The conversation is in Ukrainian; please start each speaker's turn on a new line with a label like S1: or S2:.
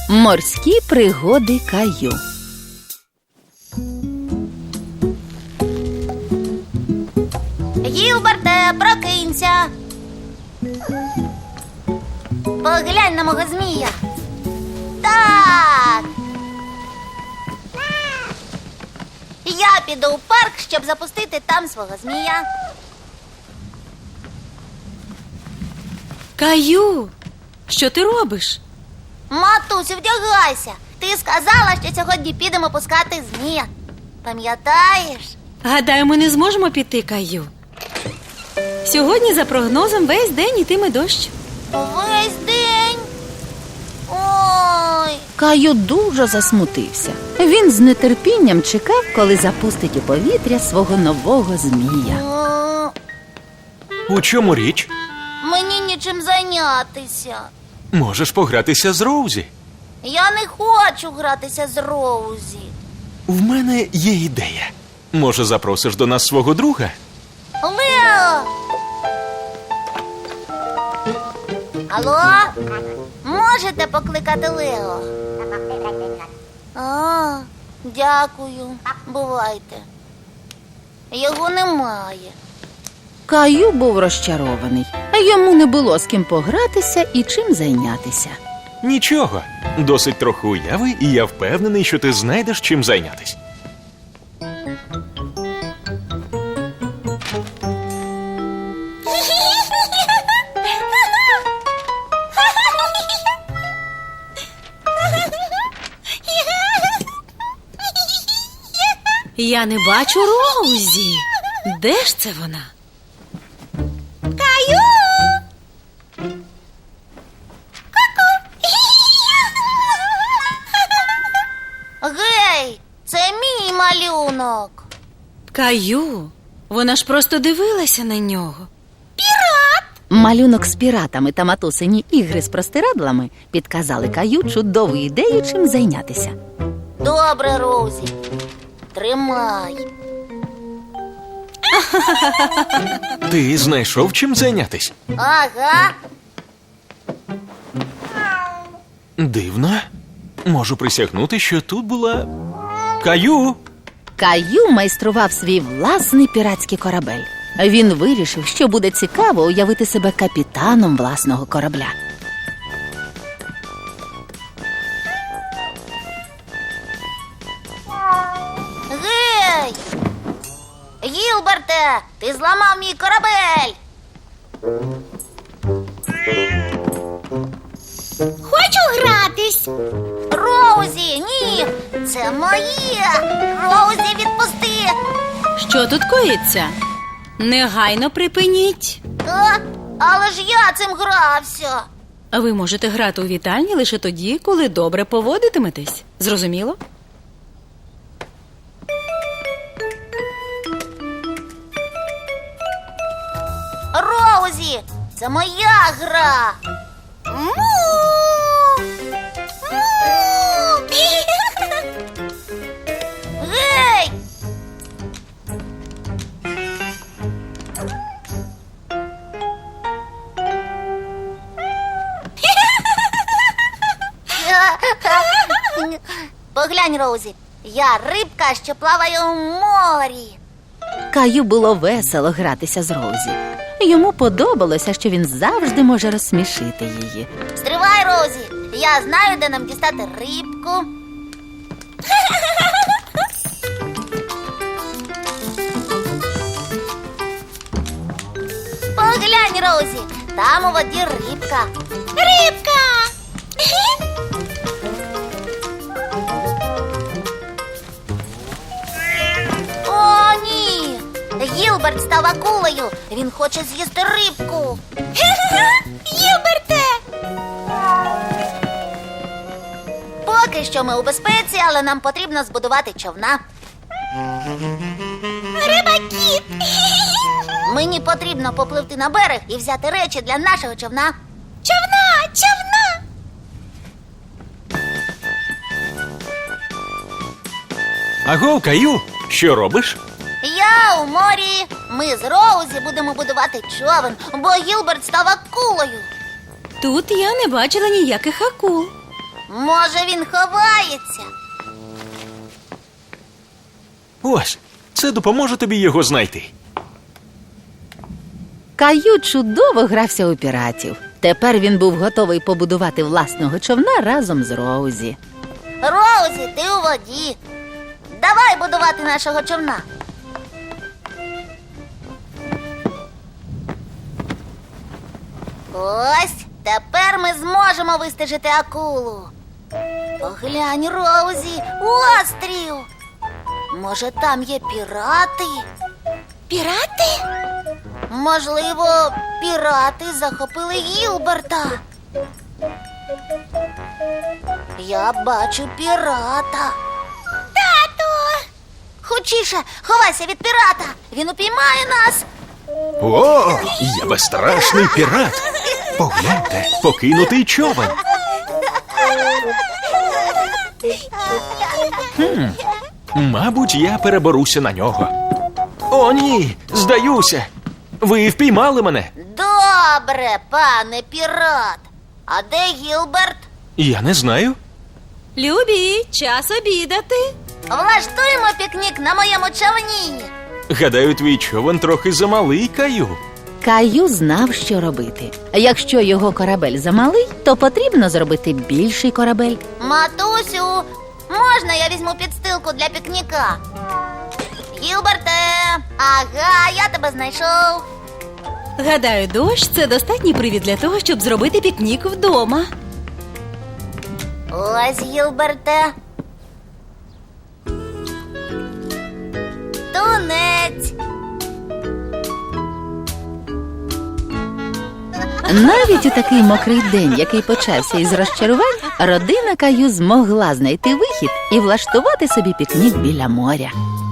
S1: Морські пригоди Каю.
S2: Гілберте, прокинься. Поглянь на мого змія. Так. Я піду у парк, щоб запустити там свого змія.
S3: Каю, що ти робиш?
S2: Матусю, вдягайся. Ти сказала, що сьогодні підемо пускати змія. Пам'ятаєш?
S3: Гадаю, ми не зможемо піти, Каю. Сьогодні, за прогнозом, весь день йтиме дощ.
S2: Весь день. Ой.
S1: Каю дуже засмутився. Він з нетерпінням чекав, коли запустить у повітря свого нового змія.
S4: У чому річ?
S2: Мені нічим зайнятися.
S4: Можеш погратися з Роузі.
S2: Я не хочу гратися з Роузі.
S4: В мене є ідея. Може, запросиш до нас свого друга?
S2: Лео! Алло? Можете покликати Лео? А, дякую. Бувайте. Його немає.
S1: Каю був розчарований. Йому не було з ким погратися і чим зайнятися.
S4: Нічого. Досить трохи уяви, і я впевнений, що ти знайдеш чим зайнятись.
S3: Я не бачу Роузі. Де ж це вона?
S2: Каю! Гей, це мій малюнок.
S3: Каю, вона ж просто дивилася на нього.
S1: Малюнок з піратами та матусині ігри з простирадлами підказали Каю чудову ідею, чим зайнятися.
S2: Добре, Роузі. Тримай.
S4: Ти знайшов чим зайнятись?
S2: Ага.
S4: Дивно. Можу присягнути, що тут була Каю.
S1: Каю майстрував свій власний піратський корабель. Він вирішив, що буде цікаво уявити себе капітаном власного корабля.
S2: Гей! Гілберте, ти зламав мій корабель. Хочу гратись. Роузі, ні, це моє. Роузі, відпусти.
S3: Що тут коїться? Негайно припиніть.
S2: Але ж я цим грався.
S3: Ви можете грати у вітальні лише тоді, коли добре поводитиметесь. Зрозуміло?
S2: Роузі, це моя гра. Гей! Поглянь, Роузі, я рибка, що плаває у морі.
S1: Каю було весело гратися з Роузі. Йому подобалося, що він завжди може розсмішити її.
S2: Стривай, Роузі, я знаю, де нам дістати рибку. Поглянь, Роузі, там у воді рибка. Рибка! О, ні! Гілберт став акулою. Він хоче з'їсти рибку. Гілберте! Поки що ми у безпеці, але нам потрібно збудувати човна. Рибакіт! Мені потрібно попливти на берег і взяти речі для нашого човна. Човна! Човна!
S4: Аго, Каю, що робиш?
S2: Я у морі. Ми з Роузі будемо будувати човен, бо Гілберт став акулою.
S3: Тут я не бачила ніяких акул.
S2: Може, він ховається?
S4: Ось, це допоможе тобі його знайти.
S1: Каю чудово грався у піратів. Тепер він був готовий побудувати власного човна разом з Роузі.
S2: Роузі, ти у воді. Давай будувати нашого човна. Ось, тепер ми зможемо вистежити акулу. Поглянь, Роузі, острів. Може, там є пірати? Пірати? Можливо, пірати захопили Гілберта. Я бачу пірата. Тату! Хочіше, ховайся від пірата. Він упіймає нас.
S4: О, я безстрашний пірат. Погляньте, покинутий човен. Мабуть, я переберуся на нього. О, ні, здаюся. Ви впіймали мене.
S2: Добре, пане пірат. А де Гілберт?
S4: Я не знаю.
S3: Любі, час обідати.
S2: Влаштуємо пікнік на моєму човні.
S4: Гадаю, твій човен трохи замалий, Каю.
S1: Каю знав, що робити. Якщо його корабель замалий, то потрібно зробити більший корабель.
S2: Матусю, можна я візьму підстилку для пікніка? Гілберте, ага, я тебе знайшов.
S3: Гадаю, дощ це достатній привід для того, щоб зробити пікнік вдома.
S2: Ось, Гілберте. Тунець.
S1: Навіть у такий мокрий день, який почався із розчарувань, родина Каю змогла знайти вихід і влаштувати собі пікнік біля моря.